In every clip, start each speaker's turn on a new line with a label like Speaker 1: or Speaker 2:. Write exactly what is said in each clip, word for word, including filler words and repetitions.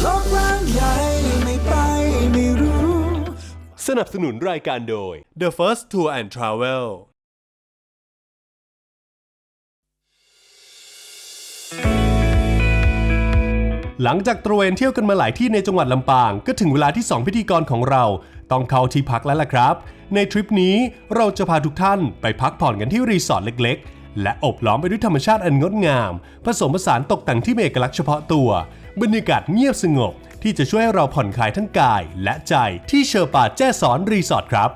Speaker 1: โลกกว้างใหญ่ไม่ไปไม่รู้
Speaker 2: สนับสนุนรายการโดย The First Tour and Travel หลังจากตระเวนเที่ยวกันมาหลายที่ในจังหวัดลำปางก็ถึงเวลาที่สองพิธีกรของเราต้องเข้าที่พักแล้วล่ะครับในทริปนี้เราจะพาทุกท่านไปพักผ่อนกันที่รีสอร์ทเล็กๆและอบล้อมไปด้วยธรรมชาติอันงดงามผสมผสานตกแต่งที่มีเอกลักษณ์เฉพาะตัวบรรยากาศเงียบสงบที่จะช่วยให้เราผ่อนคลายทั้งกายและใจที่เชอร์ปาแจ้ซ้อนรีสอร์ทครับ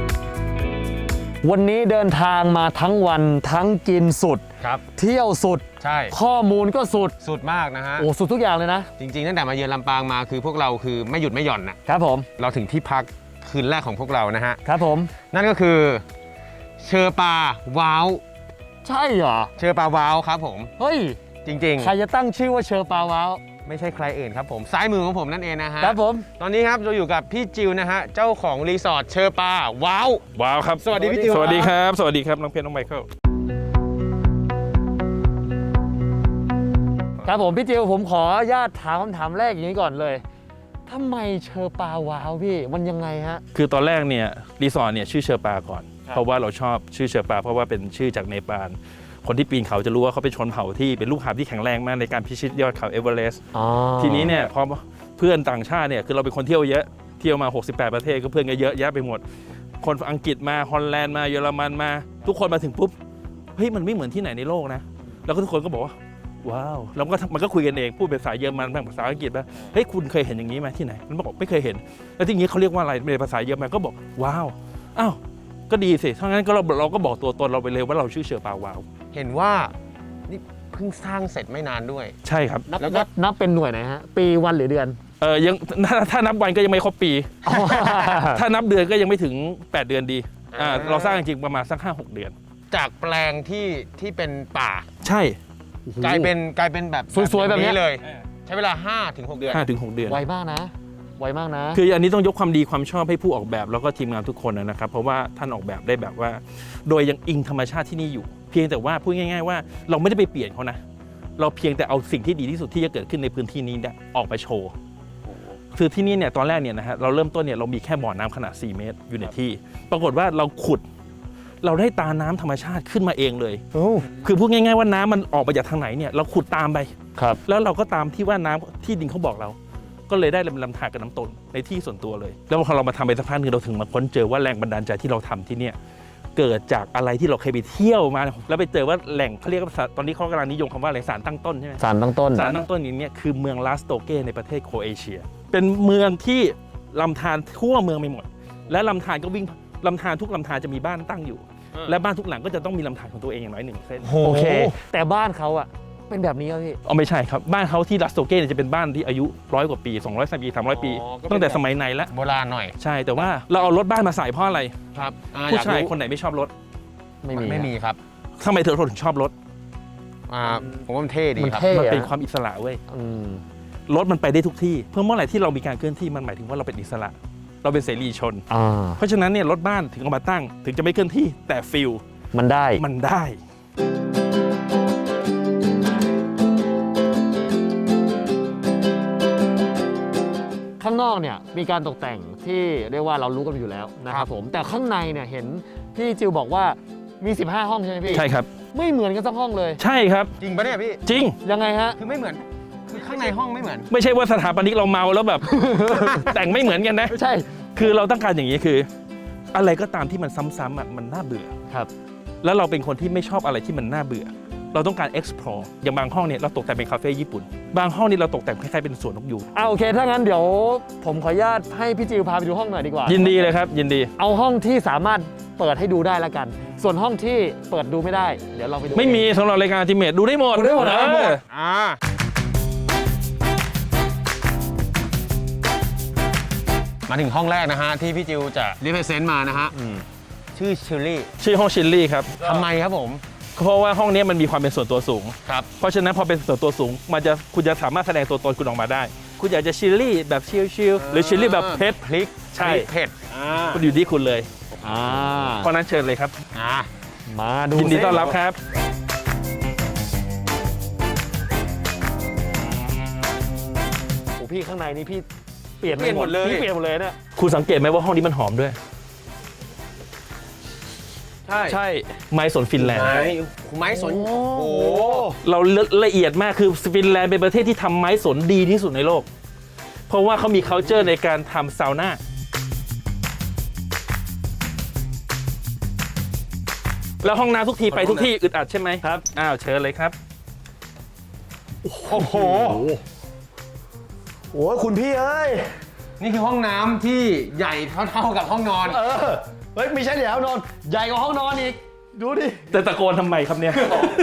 Speaker 3: วันนี้เดินทางมาทั้งวันทั้งกินสุด
Speaker 4: ครับ
Speaker 3: เที่ยวสุด
Speaker 4: ใช่
Speaker 3: ข้อมูลก็สุด
Speaker 4: สุดมากนะฮะ
Speaker 3: โอ้สุดทุกอย่างเลยนะ
Speaker 4: จริงๆตั้งแต่มาเยือนลำปางมาคือพวกเราคือไม่หยุดไม่หย่อนนะครับ
Speaker 3: ผม
Speaker 4: เราถึงที่พักคืนแรกของพวกเรานะฮะ
Speaker 3: ครับผม
Speaker 4: นั่นก็คือเชอปาว้าว
Speaker 3: ใช่เหรอ
Speaker 4: เชอปาว้าวครับผม
Speaker 3: เฮ้ย
Speaker 4: จริงๆ
Speaker 3: ใครจะตั้งชื่อว่าเชอปาว้าว
Speaker 4: ไม่ใช่ใครอื่นครับผมซ้ายมือของผมนั่นเองนะฮะ
Speaker 3: ครับผม
Speaker 4: ตอนนี้ครับเราอยู่กับพี่จิวนะฮะเจ้าของรีสอร์ทเชอปาว้าว
Speaker 5: ว้าวครับ
Speaker 4: สวัสดีพี่จิว
Speaker 5: สวัสดีครับสวัสดีครับน้องเพชรน้องไมเคิล
Speaker 3: ครับผมพี่จิวผมขออนุญาตถามคำถามแรกอย่างนี้ก่อนเลยทำไมเชอปาว้าวพี่มันยังไงฮะ
Speaker 5: คือตอนแรกเนี่ยรีสอร์ทเนี่ยชื่อเชอปาก่อนเพราะว่าเราชอบชื่อเชอปาเพราะว่าเป็นชื่อจากเนปาลคนที่ปีนเขาจะรู้ว่าเขาเป็นชนเผ่าที่เป็นลูกหาบที่แข็งแรงมากในการพิชิตยอดเขาเอเวอเรสต์ทีนี้เนี่ยพอเพื่อนต่างชาติเนี่ยคือเราเป็นคนเที่ยวเยอะเที่ยวมาหกสิบแปดประเทศก็เพื่อนก็เยอะแยะไปหมดคนอังกฤษมาฮอลแลนด์มาเยอรมันมาทุกคนมาถึงปุ๊บเฮ้ยมันไม่เหมือนที่ไหนในโลกนะแล้วก็ทุกคนก็บอกว่าว้าวแล้วมันก็มันก็คุยกันเองพูดเป็นภาษาเยอรมันบ้างภาษาอังกฤษบ้างเฮ้ยคุณเคยเห็นอย่างนี้ไหมที่ไหนมันบอกไม่เคยเห็นแล้วที่นี้เขาเรียกว่าอะไรเป็นภาษาเยอรมันก็บอกว้าวอ้าวก็ดีสิถ้างั้นก็เราเราก็บอกตัวตนเราไปเลยว่าเราชื่อเชอปาว้าว
Speaker 4: เห็นว่านี่เพิ่งสร้างเสร็จไม่นานด้วย
Speaker 5: ใช่ครับ
Speaker 3: แล้วก็นับเป็นหน่วยไหนฮะปีวันหรือเดือน
Speaker 5: เออยังถ้านับวันก็ยังไม่ครบปีถ้านับเดือนก็ยังไม่ถึงแปดเดือนดีอ่าเราสร้างจริงประมาณสัก ห้าหก เดือน
Speaker 4: จากแปลงที่ที่เป็นป่า
Speaker 5: ใช่
Speaker 4: กลายเป็นกลายเป็นแบบ
Speaker 3: สวยๆแบบนี้
Speaker 4: เลยใช้เวลา ห้าถึงหก เดือน
Speaker 5: ห้าถึงหก เดือน
Speaker 3: ไวมากนะไวมากนะ
Speaker 5: คืออันนี้ต้องยกความดีความชอบให้ผู้ออกแบบแล้วก็ทีมงานทุกคนนะครับเพราะว่าท่านออกแบบได้แบบว่าโดยยังอิงธรรมชาติที่นี่อยู่เพียงแต่ว่าพูดง่ายๆว่าเราไม่ได้ไปเปลี่ยนเขานะเราเพียงแต่เอาสิ่งที่ดีที่สุดที่จะเกิดขึ้นในพื้นที่นี้ออกไปโชว์คือที่นี่เนี่ยตอนแรกเนี่ยนะฮะเราเริ่มต้นเนี่ยเรามีแค่บ่อน้ำขนาดสี่เมตรอยู่ในที่ปรากฏว่าเราขุดเราได้ตาน้ำธรรมชาติขึ้นมาเองเลยคือพูดง่ายๆว่าน้ำมันออกมาจากทางไหนเนี่ยเราขุดตามไป
Speaker 3: ครับ
Speaker 5: แล้วเราก็ตามที่ว่าน้ำที่ดินเขาบอกเราก็เลยได้ลำธารกับน้ำตนในที่ส่วนตัวเลยแล้วพอเรามาทำไปสักพักนึงเราถึงมาค้นเจอว่าแรงบันดาลใจที่เราทำที่เนี่ยเกิดจากอะไรที่เราเคยไปเที่ยวมาแล้วไปเจอว่าแหล่งเขาเรียกว่าตอนนี้เขากำลังนิยมคำว่าอะไรสารตั้งต้นใช่ไหม
Speaker 3: สารตั้งต้น
Speaker 5: สารตั้งต้นนี้เนี่ยคือเมืองลาสโตเก้ในประเทศโครเอเชียเป็นเมืองที่ลำธารทั่วเมืองไปหมดและลำธารก็วิ่งลำธารทุกลำธารจะมีบ้านตั้งอยู่และบ้านทุกหลังก็จะต้องมีลำธารของตัวเองอย่างน้อยหนึ่งเส้น
Speaker 3: โอเคแต่บ้านเขาอะเป็นแบบนี้ครับพี่
Speaker 5: อ๋อไม่ใช่ครับบ้านเขาที่ลาสโตเก้เนี่ยจะเป็นบ้านที่อายุร้อยกว่าปีสองร้อยปีสามร้อยปีตั้งแต่สมัยไหนแล้ว
Speaker 4: โบราณหน่อย
Speaker 5: ใช่แต่ว่าเราเอารถบ้านมาใส่เพราะอะไร
Speaker 4: ครับ
Speaker 5: ผู้ชายคนไหนไม่ชอบรถ
Speaker 4: ไม่มีไม่มีครับ
Speaker 5: ทำไมเธอถึงชอบรถ
Speaker 4: อ่าผมว่ามันเท่ดีครับ
Speaker 5: มันเป็นความอิสระเว้ยรถมันไปได้ทุกที่เพื่อเมื่อไหร่ที่เรามีการเคลื่อนที่มันหมายถึงว่าเราเป็นอิสระเราเป็นเสรีชนเพราะฉะนั้นเนี่ยรถบ้านถึงเอามาตั้งถึงจะไม่เคลื่อนที่แต่ฟิล
Speaker 3: มันได้
Speaker 5: มันได้
Speaker 3: ข้างนอกเนี่ยมีการตกแต่งที่เรียกว่าเรารู้กันอยู่แล้วนะครับผมแต่ข้างในเนี่ยเห็นพี่จิวบอกว่ามีสิบห้าห้องใช่ไหมพี่
Speaker 5: ใช่ครับ
Speaker 3: ไม่เหมือนกันสักห้องเลย
Speaker 5: ใช่ครับ
Speaker 4: จริงปะเนี่ยพี่
Speaker 5: จริง
Speaker 3: ยังไงฮะ
Speaker 4: คือไม่เหมือนคือข้างในห้องไม่เหมือน
Speaker 5: ไม่ใช่ว่าสถาปนิกเราเมาแล้วแบบ แต่งไม่เหมือนกันนะ
Speaker 3: ใช่
Speaker 5: คือเราต้องการอย่างนี้คืออะไรก็ตามที่มันซ้ำๆอ่ะมันน่าเบื่อ
Speaker 3: ครับ
Speaker 5: แล้วเราเป็นคนที่ไม่ชอบอะไรที่มันน่าเบื่อเราต้องการ explore อย่างบางห้องเนี่ยเราตกแต่งเป็นคาเฟ่ญี่ปุ่นบางห้องนี่เราตกแต่งคล้ายๆเป็นสวนนกยูง
Speaker 3: อ่าโอเคถ้างั้นเดี๋ยวผมขออนุญาตให้พี่จิวพาไปดูห้องหน่อยดีกว่า
Speaker 5: ยินดีเลยครับยินดี
Speaker 3: เอาห้องที่สามารถเปิดให้ดูได้แล้วกันส่วนห้องที่เปิดดูไม่ได้เดี๋ยวเราไปดู
Speaker 5: ไม่มีสำหรับรายการอัลติเมทดูได้หมด
Speaker 3: ดูได้หมดนะ
Speaker 4: อ่ามาถึงห้องแรกนะฮะที่พี่จิวจะรีเพรสเซนต์มานะฮะชื่อชิลลี่
Speaker 5: ชื่อห้องชิลลี่ครับ
Speaker 4: ทำไมครับผม
Speaker 5: เพราะว่าห้องนี้มันมีความเป็นส่วนตัวสูง
Speaker 4: ครับ
Speaker 5: เพราะฉะนั้นพอเป็นส่วนตัวสูงมันจะคุณจะสามารถแสดงตัวตนคุณออกมาได้คุณอยากจะชิลลี่แบบชิลๆหรือชิลลี่แบบเผ็ด
Speaker 4: พริก
Speaker 5: ใช่
Speaker 4: เผ็ด
Speaker 5: คุณอยู่ที่คุณเลยเพราะนั้นเชิญเลยครับ
Speaker 3: มาดู
Speaker 5: ยินดีต้อนรับครับ
Speaker 3: พี่ข้างในนี่พี่เปลี่ยน
Speaker 4: เปลี่ยนหมดเลย
Speaker 3: พี่เปลี่ยนหมดเลยเนี่ย
Speaker 5: คุณสังเกตไหมว่าห้องนี้มันหอมด้วย
Speaker 4: ใช่
Speaker 5: ใช่ไม้สนฟินแลนด์
Speaker 4: ไม้ไม้สน
Speaker 3: โอ้
Speaker 4: โอ้
Speaker 5: เราละเอียดมากคือฟินแลนด์เป็นประเทศที่ทำไม้สนดีที่สุดในโลก เพราะว่าเขามี culture ในการทำซาวน่าแล้วห้องน้ำทุกทีไปทุกที่อึดอัดใช่ไหมครับ อ้าวเชิญเลยครับ
Speaker 3: โอ้โหโอ้ยคุณพี่เอ้ย
Speaker 4: นี่คือห้องน้ำที่ใหญ่เท่าๆกับห้องนอน
Speaker 3: เออเฮ้ยไม่ใช่เดี๋ยวนอนใหญ่กว่าห้องนอนอีกดูดิ
Speaker 5: แต่ตะโกนทำไมครับเนี่ย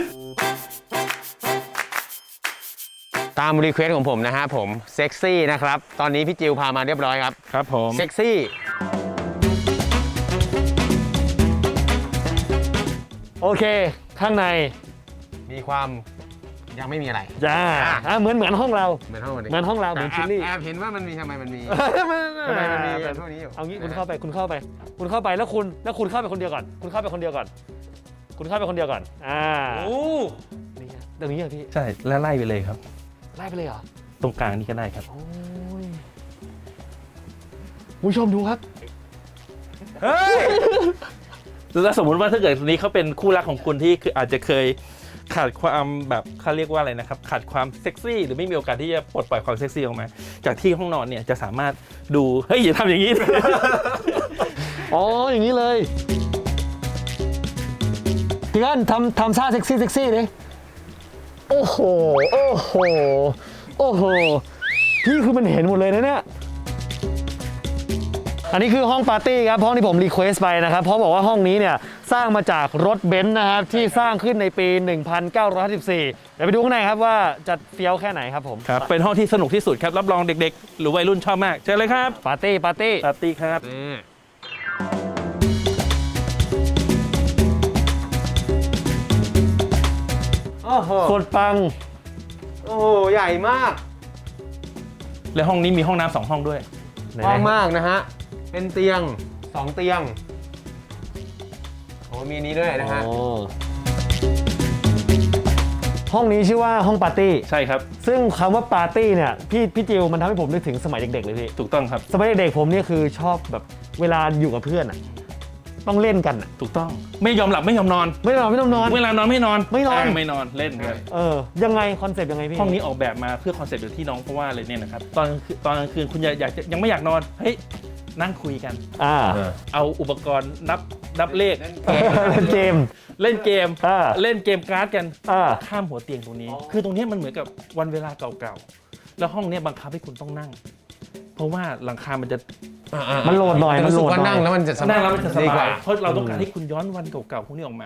Speaker 4: ตามรีเควสของผมนะฮะผมเซ็กซี่นะครับ ตอนนี้พี่จิวพามาเรียบร้อยครับ
Speaker 5: ครับผม
Speaker 4: เซ็กซี่
Speaker 3: โอเค ข้างใน
Speaker 4: มีความยังไม่มีอะไร
Speaker 3: จ้าอ่ะเหมือนเหมือนห้องเรา
Speaker 4: เหมือนห้องวันนี้
Speaker 3: เหมือนห้องเราเหมือน
Speaker 4: แต่
Speaker 3: ชิลลี่
Speaker 4: แอบเห็นว่ามันมีทำไมมันมี
Speaker 3: ทำไม
Speaker 4: ทำไมมันมีพวกนี้อยู่
Speaker 3: เอางี้คุณเข้าไปคุณเข้าไป คุณเข้าไปแล้วคุณแล้วคุณเข้าไปคนเดียวก่อน คุณเข้าไปคนเดียวก่อน คุณเข้าไปคนเดียวก่อนอ่า
Speaker 5: โอ้
Speaker 3: นี่ฮะตรงนี้เหรอพี่
Speaker 5: ใช่แล้วไล่ไปเลยครับ
Speaker 3: ไล่ไปเลยเหรอ
Speaker 5: ตรงกลางนี่ก็ได้ครับ
Speaker 3: โอ้ยคุณผู้ชมดูครับ
Speaker 5: เฮ้ย แล้วสมมุติว่าถ้าเกิดนี้เขาเป็นคู่รักของคุณที่คืออาจจะเคยขาดความแบบเขาเรียกว่าอะไรนะครับขาดความเซ็กซี่หรือไม่มีโอกาสที่จะปลดปล่อยความเซ็กซี่ออกมา จากที่ห้องนอนเนี่ยจะสามารถดูเฮ้ยอย่าทำอย่างนี้
Speaker 3: อ๋ออย่างนี้เลยพี่กันทำทำท่าเซ็กซี่เซ็กซี่ดิโอ้โหโอ้โหโอ้โหพี่คือมันเห็นหมดเลยนะเนี่ยอันนี้คือห้องปาร์ตี้ครับห้องที่ผมรีเควสไปนะครับเพราะบอกว่าห้องนี้เนี่ยสร้างมาจากรถเบนซ์นะครับที่สร้างขึ้นในปี หนึ่งพันเก้าร้อยห้าสิบสี่ เดี๋ยวไปดูข้างในครับว่าจะเฟี้ยวแค่ไหนครับผม
Speaker 5: ครับเป็นห้องที่สนุกที่สุดครับรับรองเด็กๆ หรือวัยรุ่นชอบมากเชิญเลยครับ
Speaker 3: ปาร์ตี้ปาร์ตี้
Speaker 5: ปาร์ตี้ครับ
Speaker 4: นี่โอ้โห
Speaker 3: โคตรปัง
Speaker 4: โอ้โห ใหญ่มาก
Speaker 5: และห้องนี้มีห้องน้ำสองห้องด้วย
Speaker 4: กว้างมากนะฮะ เป็นเตียงสองเตียง โอ้มีนี้ด้วยนะฮะ
Speaker 3: อ๋อห้องนี้ชื่อว่าห้องปาร์ตี้
Speaker 5: ใช่ครับ
Speaker 3: ซึ่งคำว่าปาร์ตี้เนี่ยพี่พี่จิวมันทำให้ผมนึกถึงสมัยเด็กๆเลยพี่
Speaker 5: ถูกต้องครับ
Speaker 3: สมัยเด็กๆผมเนี่ยคือชอบแบบเวลาอยู่กับเพื่อนอ่ะต้องเล่นกันอ่ะ
Speaker 5: ถูกต้องไม่ยอมหลับไม่ยอมนอน
Speaker 3: ไม่นอนไม่ต้องนอน
Speaker 5: เวลานอนไม่นอน
Speaker 3: ไม่นอน
Speaker 5: าไม่นอนเล่นครับ
Speaker 3: เออยังไงคอนเซปต์ยังไงพี่
Speaker 5: ห้องนี้ออกแบบมาเพื่อคอนเซ็ปต์อยู่ที่น้องเพราะว่าเลยเนี่ยนะครับตอนกลางคืนตอนกลางคืนคุณอยากอยากจะยังไม่อยากนอนเฮ้ยนั่งคุยกัน
Speaker 3: อ่า
Speaker 5: เอาอุปกรณ์นับนับเลข
Speaker 3: เล่นเกม
Speaker 5: เล่นเกม
Speaker 3: อ่า
Speaker 5: เล่นเกมการ์ดกัน
Speaker 3: อ่า
Speaker 5: ข้ามหัวเตียงตรงนี้ คือตรงนี้มันเหมือนกับวันเวลาเก่าๆแล้วห้องเนี้ยบังคับให้คุณต้องนั่ง เพราะว่าหลังคามันจะ
Speaker 3: มันโหลดหน่อยมัน
Speaker 4: รู้
Speaker 3: โหล
Speaker 4: สึก
Speaker 3: ด
Speaker 4: ว่า
Speaker 3: หน่
Speaker 4: นั่
Speaker 3: อง ย
Speaker 4: แล้วมันจะสบาย
Speaker 5: นั่งแล้วมันจะส
Speaker 4: ดีก
Speaker 5: บา
Speaker 4: ว่า
Speaker 5: ยเพราะเราต้องการให้คุณย้อนวันเก่าๆพวกนี้ออกมา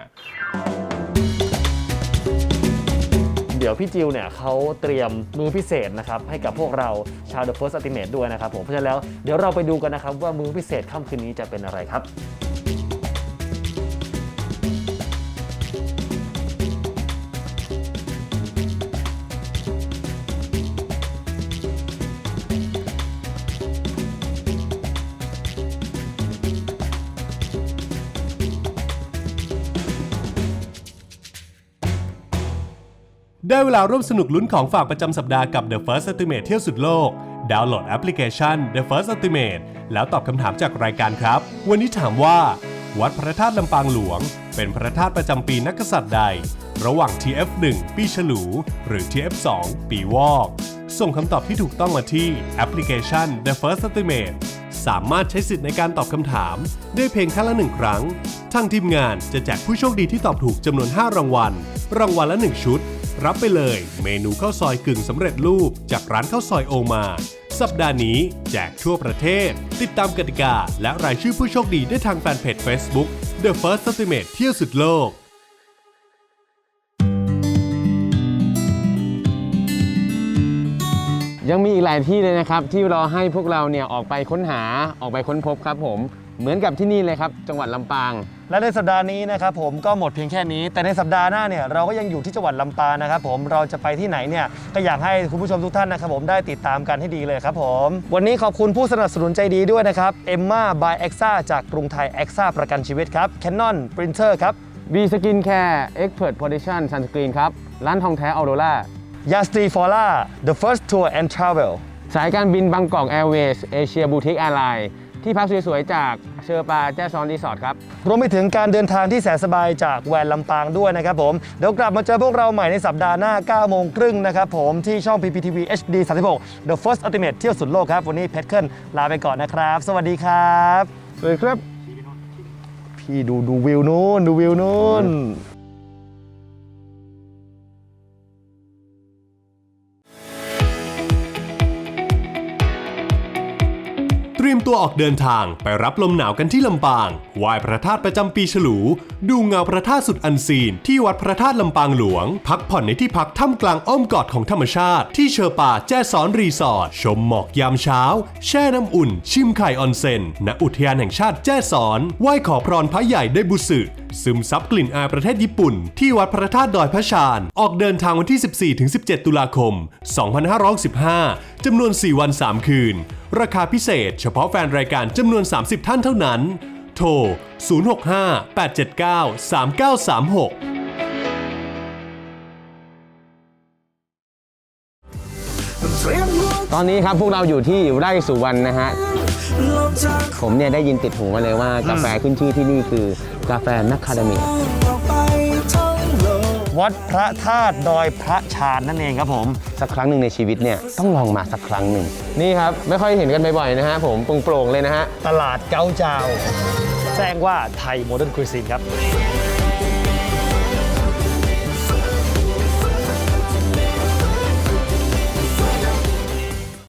Speaker 3: เดี๋ยวพี่จิวเนี่ยเขาเตรียมมือพิเศษนะครับให้กับพวกเราชาว The First Ultimate ด้วยนะครับผมเพราะฉะนั้นแล้วเดี๋ยวเราไปดูกันนะครับว่ามือพิเศษค่ำคืนนี้จะเป็นอะไรครับ
Speaker 2: ได้เวลาร่วมสนุกลุ้นของฝากประจำสัปดาห์กับ The First Ultimate เที่ยวสุดโลก ดาวน์โหลดแอปพลิเคชัน The First Ultimate แล้วตอบคำถามจากรายการครับ วันนี้ถามว่า วัดพระธาตุลำปางหลวง เป็นพระธาตุประจำปีนักกษัตริย์ใด ระหว่าง ที เอฟ หนึ่ง ปีฉลู หรือ ที เอฟ สอง ปีวอก ส่งคำตอบที่ถูกต้องมาที่แอปพลิเคชัน The First Ultimate สามารถใช้สิทธิ์ในการตอบคำถามได้เพียงแค่ละหนึ่งครั้งทางทีมงานจะแจกผู้โชคดีที่ตอบถูกจำนวนห้ารางวัล รางวัลละหนึ่งชุด รับไปเลยเมนูข้าวซอยกึ่งสำเร็จรูปจากร้านข้าวซอยโอมา สัปดาห์นี้แจกทั่วประเทศ ติดตามกติกาและรายชื่อผู้โชคดีได้ทางแฟนเพจ Facebook The First Ultimate เที่ยวสุดโลก
Speaker 4: ยังมีอีกหลายที่เลยนะครับที่รอให้พวกเราเนี่ยออกไปค้นหาออกไปค้นพบครับผมเหมือนกับที่นี่เลยครับจังหวัดลำปาง
Speaker 3: และในสัปดาห์นี้นะครับผมก็หมดเพียงแค่นี้แต่ในสัปดาห์หน้าเนี่ยเราก็ยังอยู่ที่จังหวัดลำปางนะครับผมเราจะไปที่ไหนเนี่ยก็อยากให้คุณผู้ชมทุกท่านนะครับผมได้ติดตามกันให้ดีเลยครับผมวันนี้ขอบคุณผู้สนับสนุนใจดีด้วยนะครับเอ็มม่า by เอ็กซ่าจากกรุงไทยเอ็กซ่าประกันชีวิตครับ Canon Printer ครับ
Speaker 4: V Skin Care Expert Protection Sunscreen ครับร้านทองแท้ออโรร่า
Speaker 3: Yasti Fora The First Tour and Travel
Speaker 4: สายการบินบางกอกแอร์เวย์สเอเชียบูติกแอร์ไลน์ที่พักสวยๆจากเชอปาแจ้ซ้อนรีสอร์ทครับ
Speaker 3: รวมไปถึงการเดินทางที่แสนสบายจากแวนลำปางด้วยนะครับผมเดี๋ยวกลับมาเจอพวกเราใหม่ในสัปดาห์หน้าเก้าโมงครึ่งนะครับผมที่ช่อง พี พี ที วี เอช ดี สามสิบหก The First Ultimate เที่ยวสุดโลกครับวันนี้เพชรเคิลลาไปก่อนนะครับสวัสดีครับ
Speaker 4: สวัสดีครับ
Speaker 3: พี่ดูดูวิวนู้นดูวิวนู้น
Speaker 2: เตรียมตัวออกเดินทางไปรับลมหนาวกันที่ลำปางไหว้พระธาตุประจำปีฉลู ดูเงาพระธาตุสุดอันซีนที่วัดพระธาตุลำปางหลวง พักผ่อนในที่พักท่ามกลางอ้อมกอดของธรรมชาติที่เชอป่าแจ้ซ้อนรีสอร์ทชมหมอกยามเช้าแช่น้ำอุ่นชิมไข่ออนเซ็นณอุทยานแห่งชาติแจ้ซ้อนไหว้ขอพรพระใหญ่ได้บุสึซึมซับกลิ่นอายประเทศญี่ปุ่นที่วัดพระธาตุดอยพระชานออกเดินทางวันที่ สิบสี่ถึงสิบเจ็ด ตุลาคม สองพันห้าร้อยสิบห้า จำนวน สี่ วัน สาม คืนราคาพิเศษเฉพาะแฟนรายการจำนวน สามสิบ ท่านเท่านั้นโทร ศูนย์ หก ห้า แปด เจ็ด เก้า สาม เก้า สาม หก
Speaker 4: ตอนนี้ครับพวกเราอยู่ที่ไร่สุวรรณนะฮะผมเนี่ยได้ยินติดหูมาเลยว่ากาแฟขึ้นชื่อที่นี่คือกาแฟนักคาเดเมีย
Speaker 3: วัดพระธาตุดอยพระชานนั่นเองครับผม
Speaker 4: สักครั้งหนึ่งในชีวิตเนี่ยต้องลองมาสักครั้งหนึ่งนี่ครับไม่ค่อยเห็นกันบ่อยๆนะฮะผมโปร่งๆเลยนะฮะ
Speaker 3: ตลาดเก้าเจ้าแจ้งว่าไทยโมเดิร์นคุยซีนครับ